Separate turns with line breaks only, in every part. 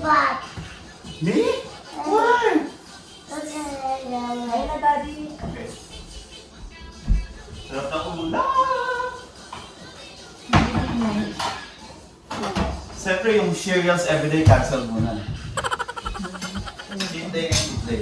back.
Me? Why?
Ayun na, Daddy.
Okay. Sarap na ulam. Siyempre yung cereals everyday cancel muna. Cheat day and cheat day.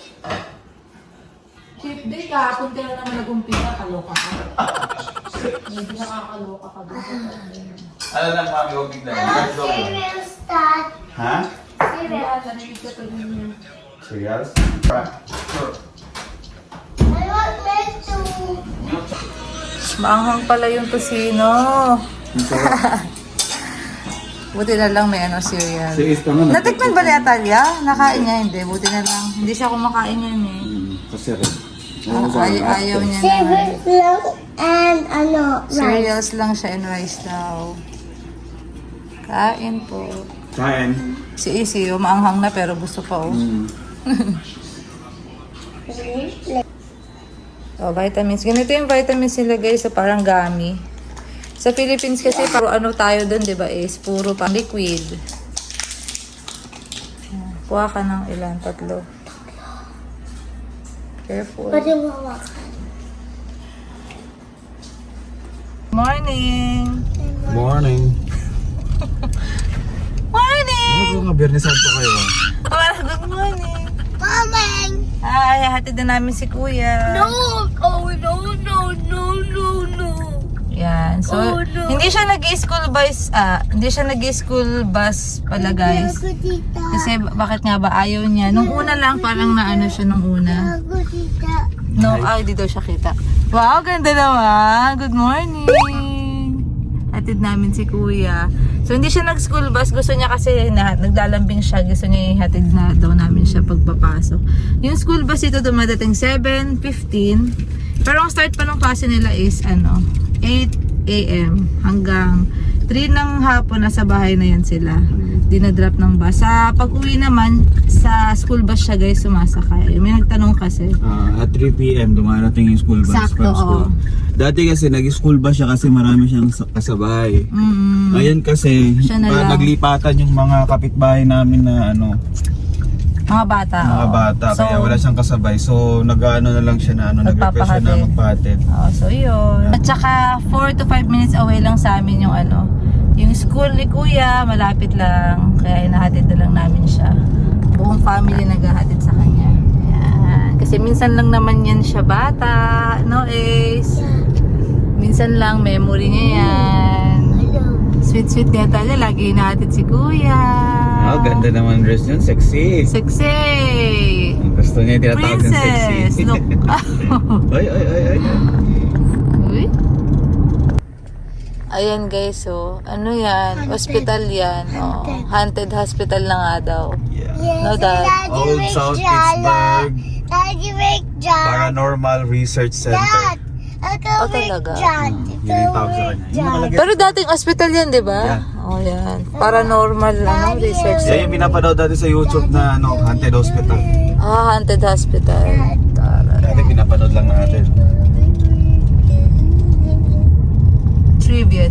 Cheap day, kahapon ka na naman nag-umpisa, kaloka ka. Hindi nakakaloka ka doon.
Ano lang mami, huwag bigla. Let's go.
Cereal start.
Ha?
Cereal.
Narinig ka to ninyo.
Cereals? Sure.
I want milk too.
Maanghang pala yung tosino. Buti na lang may cereal.
Sige, ito nga.
Natikman ba ni Atalia? Nakain niya, hindi. Buti na lang. Hindi siya kumakain yan eh.
Kasi rin.
Ayaw niya na.
Cereal lang and rice.
Cereals lang siya and rice daw. Kain po.
Kain.
Si Isi, maanghang na pero gusto pa oh. Oh, vitamins. Ganito yung vitamins nila guys, sa parang gummy. Sa Philippines kasi puro ano tayo doon, 'di ba? Is puro pa liquid. Kuha ka ng ilan, 3. Careful.
Pwede mo hawakan.
Morning.
Morning.
Morning.
Ano mga Biyernes Santo kayo?
Good morning.
Momeng!
Ay, hatid na namin si Kuya.
No! Oh, no, no, no, no, no.
Yan. So,
Oh, no.
hindi siya nag-school bus, hindi siya nag-school bus pala guys.
Ako, tita.
Kasi bakit nga ba ayaw niya? Nung una lang parang naano siya nung una.
Ako, tita.
No, ay di daw siya kita. Wow, ganda naman. Good morning. Hatid namin si Kuya. So hindi siya nag-school bus. Gusto niya kasi naglalambing siya. Gusto niya ihatid na daw namin siya pagpapasok. Yung school bus ito dumadating 7:15. Pero ang start pa ng klase nila is 8 a.m. hanggang 3 ng hapon nasa bahay na yan sila. Dinadrop ng bus. Sa pag-uwi naman, sa school bus siya guys sumasakay. May nagtanong kasi.
At 3 p.m. dumarating yung school bus
Sakto,
from school.
oo.
Dati kasi nag-school bus siya kasi marami siyang kasabay. Ngayon kasi
Siya na lang.
naglipatan yung mga kapitbahay namin na
Mga bata.
mga
oo.
bata
So,
kaya wala siyang kasabay. So nag-ano na lang siya na nag-request siya na
Nagpapahatid.
magpahatid.
So yun. At saka 4 to 5 minutes away lang sa amin yung yung school ni Kuya, malapit lang. Kaya hinahatid na lang namin siya. Buong family naghahatid sa kanya. Ayan. Kasi minsan lang naman yan siya bata. No, Ace? Minsan lang, memory niya yan. Sweet-sweet nga tayo. Lagi hinahatid si Kuya.
Oh, ganda naman dress yun. Sexy.
Sexy!
Gusto niya yung tinatawag ng sexy.
Princess! Look!
Ay.
Uy. Ayan guys, so ano yan?
Haunted.
Hospital yan. Oh. Haunted hospital na nga daw.
Yeah.
Yes,
No, Dad.
Old South Pittsburgh
Daddy make John.
Paranormal Research
Dad!
Center.
Ako
Oh,
make
talaga?
John.
Yun yung tawag sa kanya. Yung nakalagay.
Pero dating hospital yan, di ba?
Yeah.
Oh, yan. Paranormal research.
Yan yung pinapanood dati sa YouTube na haunted hospital.
Haunted hospital. Tara.
Dati pinapanood lang natin.
Trivia.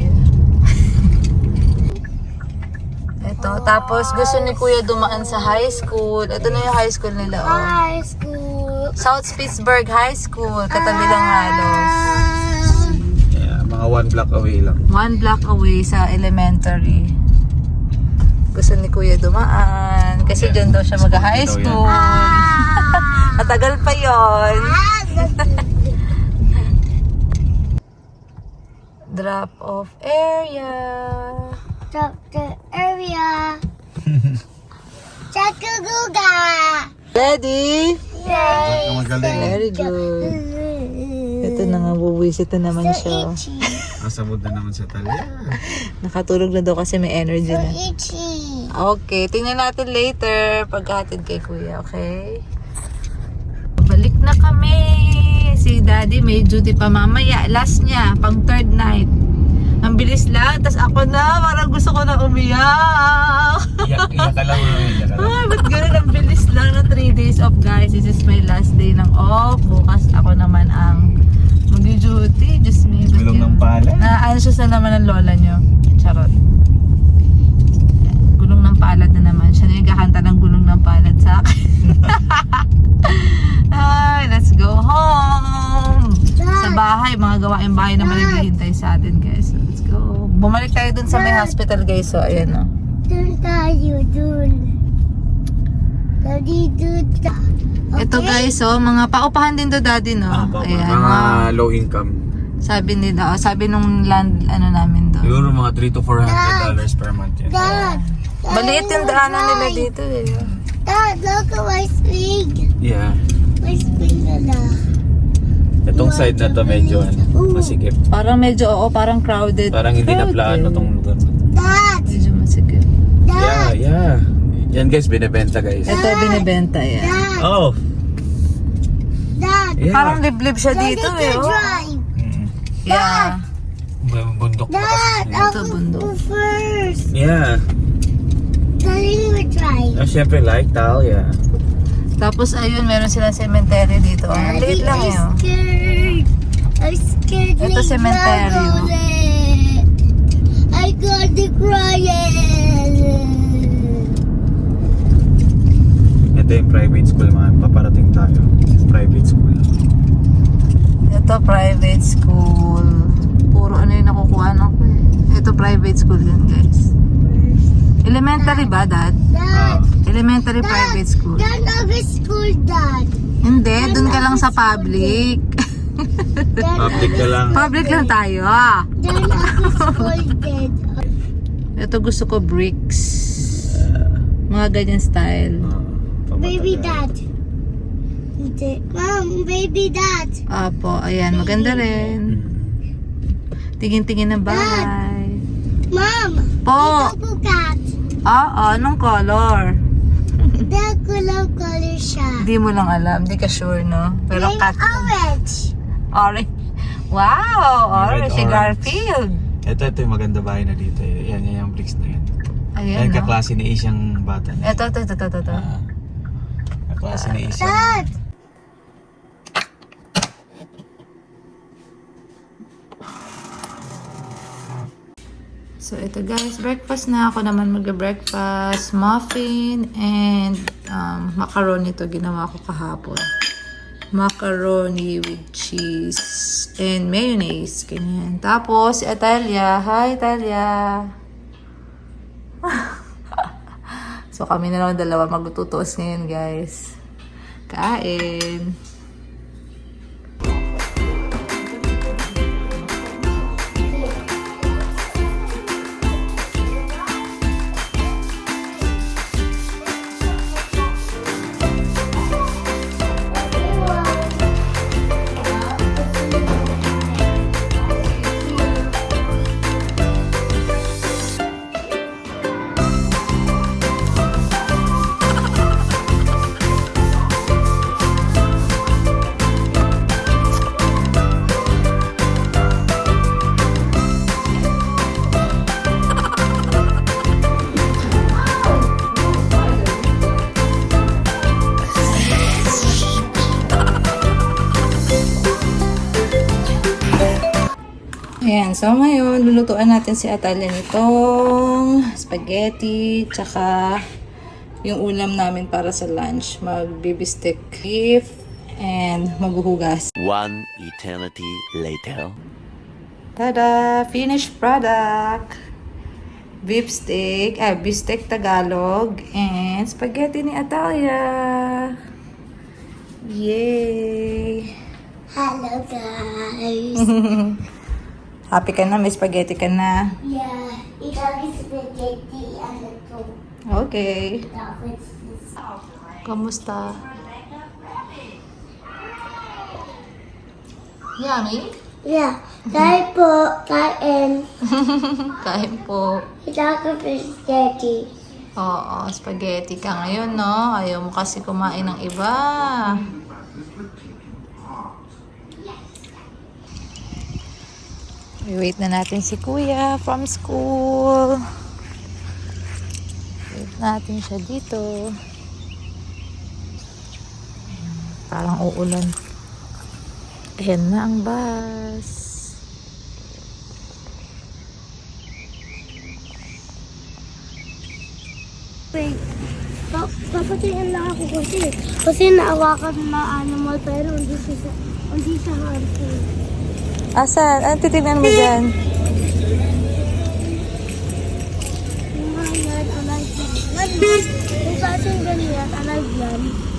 Ito, tapos gusto ni Kuya dumaan sa high school. Ito na yung high school nila, oh.
High school.
South Pittsburgh High School. Katabi lang halos.
Yeah, mga 1 block away lang.
1 block away sa elementary. Gusto ni Kuya dumaan. Kasi dyan daw siya mag-high
Ito yan.
school. Matagal pa yon. Drop off area.
Drop the area. Chakaguga.
Ready?
Yay.
Magaling.
Very good. Ito na nga, buwisit na naman
So
siya.
itchy.
Kasabot na naman sa talya.
Nakatulog na daw kasi may energy
So
na.
itchy.
Okay, tingnan natin later pagkahatid kay Kuya, okay? Balik na kami. Si Daddy may duty pa mamaya. Last niya, pang 3rd night. Ang bilis lang. Tapos ako na, parang gusto ko na umiyak.
Iyak ka lang.
Ay, ba't ganun? Ang bilis lang na 3 days off, guys. This is my last day ng off. Bukas ako naman ang mag-duty. Diyos me. ba't
Gulong ng
yun?
pala.
Na-anxious na naman ng lola nyo. Charot. Gulong ng palad na naman. Siya na yung kakanta ng gulong ng palad sa akin. Ay, let's go home! Sa bahay, mga gawaing bahay naman naghihintay sa atin, guys. So, let's go. Bumalik tayo dun sa may hospital, guys. So, ayan, no.
Dun tayo, dun. Daddy, dun ta.
Ito, guys, so, mga paupahan din to, daddy, no? Ayan,
Mga low income.
sabi nila, sabi nung land, ano namin doon.
Siguro mga $300 to $400 per month yan.
Dad,
Maliit yung daanan nila dito, eh.
Dad, look at my swing.
Yeah.
My swing na lang.
Itong side na to medyo masikip.
Parang medyo, oo, parang crowded.
Parang hindi na plano tong lugar.
Dad,
Medyo masikip.
Yeah, yeah. Yan guys, binibenta guys.
Ito, binibenta yan.
Dad,
Oh,
Dad.
yeah.
Parang liblib siya
Daddy
dito,
can
eh. Oh.
drive.
Yeah.
Bundok pa
Dad,
kasi.
Ito,
I'll
bundok.
go first.
Yeah.
Daddy will drive.
Oh, syempre like Talia.
Tapos, ayun, meron silang cemetery dito. Ang
Daddy,
liit lang, eh.
I'm
Oh.
scared. I'm scared.
Ito,
to
cemetery,
travel
oh.
it. I got to cry.
Ito yung private school man. Paparating tayo. Private school.
Ito, private school. Puro ano yung nakukuha ko, eh. Ito, private school yun, guys. Elementary ba, Dad?
Dad,
Elementary private school.
Dad, of school, Dad.
Hindi, dun ka lang sa public.
Dad,
Public ka lang.
Public lang tayo, ah.
Dad, of school, Dad.
Ito gusto ko bricks. Mga ganyan style.
Baby Dad. Mom, baby Dad.
Apo, ayan, maganda rin. Tingin-tingin ng bahay.
Mom,
Po!
double cat.
Oo, anong color?
Dad, color siya.
Hindi mo lang alam, hindi ka sure, no? Pero
Name
cat.
orange.
Orange. Wow!
Red,
Orange, si
orange.
Garfield.
Ito yung maganda bahay na dito. Yan yung bricks na yan.
Ayan,
Yan
no?
kaklase ni Ace yung bata na.
Ito.
Kaklase ni Ace.
Dad.
So, ito guys, breakfast na. Ako naman mag-breakfast. Muffin and macaroni to ginawa ko kahapon. Macaroni with cheese and mayonnaise. Ganyan. Tapos, si Atalia. Hi, Atalia. So, kami na lang dalawa magtutuos ngayon, guys. Kain. Ayan, so ngayon, lulutuan natin si Atalia nitong spaghetti, tsaka yung ulam namin para sa lunch. Mag-bibistek beef, and maghuhugas.
One eternity later.
Tada! Finished product! Beef steak, beef Tagalog, and spaghetti ni Atalia. Yay!
Hello, guys.
Happy ka na? May spaghetti ka na?
Yeah, it's spaghetti and the two.
Okay. Kamusta? Yummy?
Yeah, kain po, kain.
Kain po.
Ito ko spaghetti.
Oo, spaghetti ka ngayon, no? Ayaw mo kasi kumain ng iba. Wait na natin si Kuya from school. Wait natin siya dito. Parang uulan. Ayan na ang bus.
Wait. Papatingin lang ako kasi naawakan na animal pero hindi siya harmful.
Asan? Ano titignan mo dyan?
Yung mga yan, alive yan. Yung klaseng ganyan, alive yan.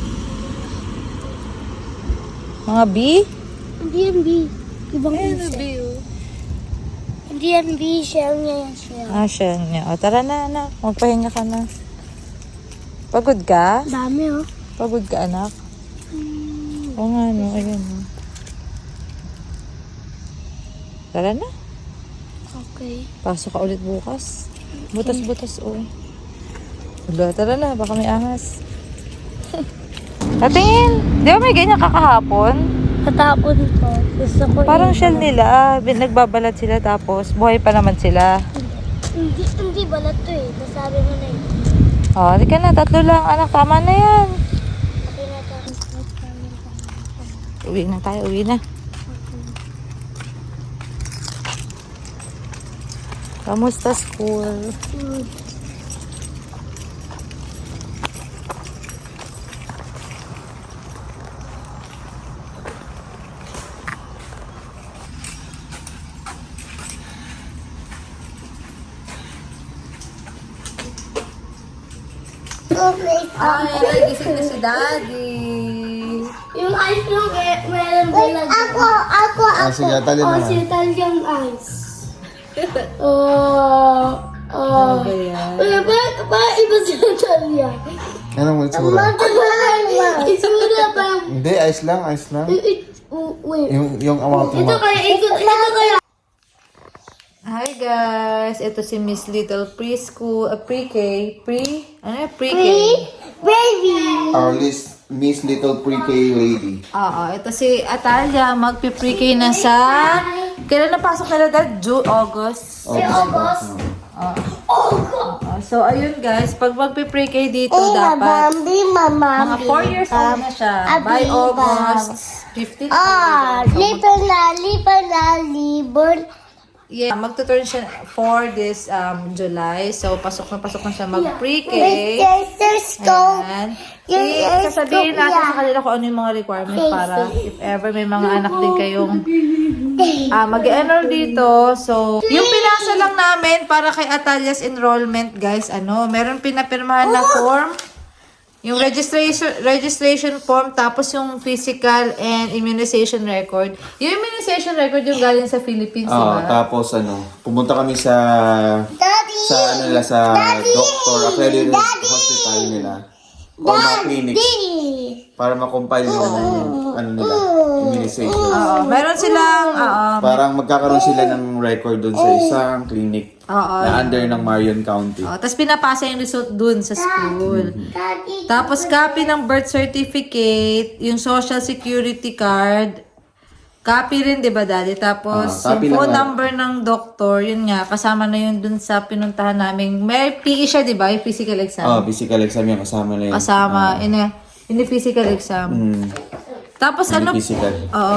Mga bee?
Hindi yan bee. Ibang insect.
bee?
Hindi yan bee, shell niya yan shell.
Siya niya. O, tara na, anak. Magpahinga ka na. Pagod ka?
Dami oh.
Pagod ka, anak? Oo nga, no. Ayan, no. Tara na.
Okay.
Pasok ka ulit bukas. Butas-butas, oh. Wala, tara na. Baka may ahas. Tatingin. Di ba may ganyan kakahapon?
Katapon ko. Gusto ko
Parang
yun.
shell nila. Nagbabalat sila tapos buhay pa naman sila.
Hindi balat to eh. Nasabi mo na eh.
Oh, di ka na. 3 lang, anak. Tama na yan.
Okay na to.
Uwi na tayo. Uwi na. Kamusta school? Ay, gising na si Daddy.
Yung ice cream, meron din lang. Ako.
sige, tali na.
Si Talyang ice.
Ano ba yan?
Ba iba si Talya?
Anong itsura?
Isura pa.
Hindi, ice lang.
Wait.
Yung amount mo.
Ito kaya.
Hi guys, ito si Miss Little Preschool, pre-K, ano yan? Pre-K?
Baby.
Our Miss Little Pre-K lady.
Oo, ito si Atalia, magpi-pre-K na sa, kailan napasok nila dad? August?
August.
So ayun guys, pag magpi-pre-K dito dapat, mga 4 years old na siya, by August 15.
Lipan na libon.
Yeah, magtuturn siya for this July. So, pasok na siya mag-pre-K. Ayan. Sasabihin natin sa kanila kung ano yung mga requirements para if ever may mga anak din kayong mag-enroll dito. So, yung pinasa lang namin para kay Atalia's enrollment, guys, meron pinapirmahan na form. Yung registration form, tapos yung physical and immunization record. Yung immunization record yung galing sa Philippines, diba?
Tapos pumunta kami sa doctor, accredited hospital nila. O mga clinics. Para makompile yung immunization.
Meron silang,
Parang magkakaroon sila ng record doon sa isang clinic na under ng Marion County.
tapos pinapasa yung result dun sa school. Tapos copy ng birth certificate, yung social security card, copy rin, di ba, Daddy? Tapos
copy
yung phone
lang,
number ng doktor, yun nga, kasama na yun dun sa pinuntahan namin. May PE siya, di ba? Yung physical exam.
Physical exam yan, kasama na yun.
Kasama, in a physical exam. Tapos
Physical.
Oo.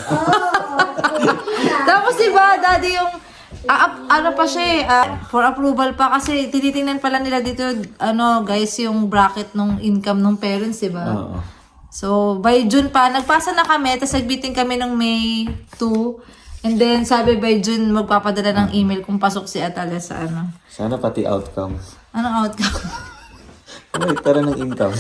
Tapos diba, Daddy, yung pa siya for approval pa kasi tinitingnan pala nila dito, guys, yung bracket ng income ng parents, diba?
Oo.
So, by June pa, nagpasa na kami, tapos nag-meeting kami ng May 2. And then, sabi by June, magpapadala ng email kung pasok si Atalia sa
Sana pati outcome.
Anong outcome?
Tara ng income.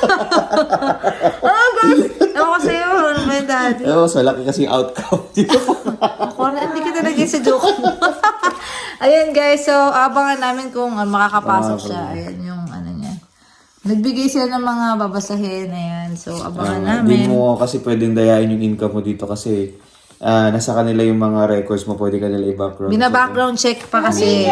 Guys, ako sa'yo, ano ba yung Daddy?
Mas malaki kasi yung outcome.
Ako na, hindi kita naging sa joke mo. Ayan guys, so abangan namin kung makakapasok siya. Ayan yung niya. Nagbigay sila ng mga babasahin. Ayan, so abangan
Hindi
namin.
mo kasi pwedeng dayain yung income mo dito kasi nasa kanila yung mga records mo, pwede ka nila i-background.
Bina-background check pa kasi.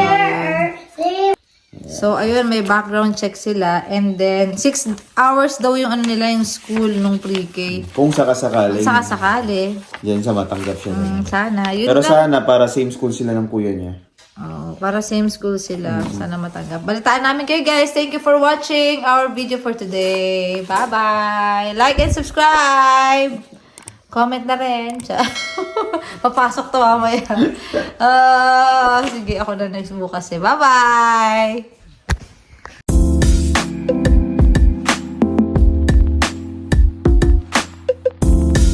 So, ayun, may background check sila. And then, 6 hours daw yung nila yung school nung pre-K.
Kung sakasakali.
Sakasakali.
Yan sa matanggap siya.
Sana. Yun
Pero
lang.
sana para same school sila ng kuya niya.
Para same school sila. Sana matanggap. Balitaan namin kayo guys. Thank you for watching our video for today. Bye-bye. Like and subscribe. Comment na rin. Papasok to mamaya. Sige, ako na next bukas eh. Bye-bye.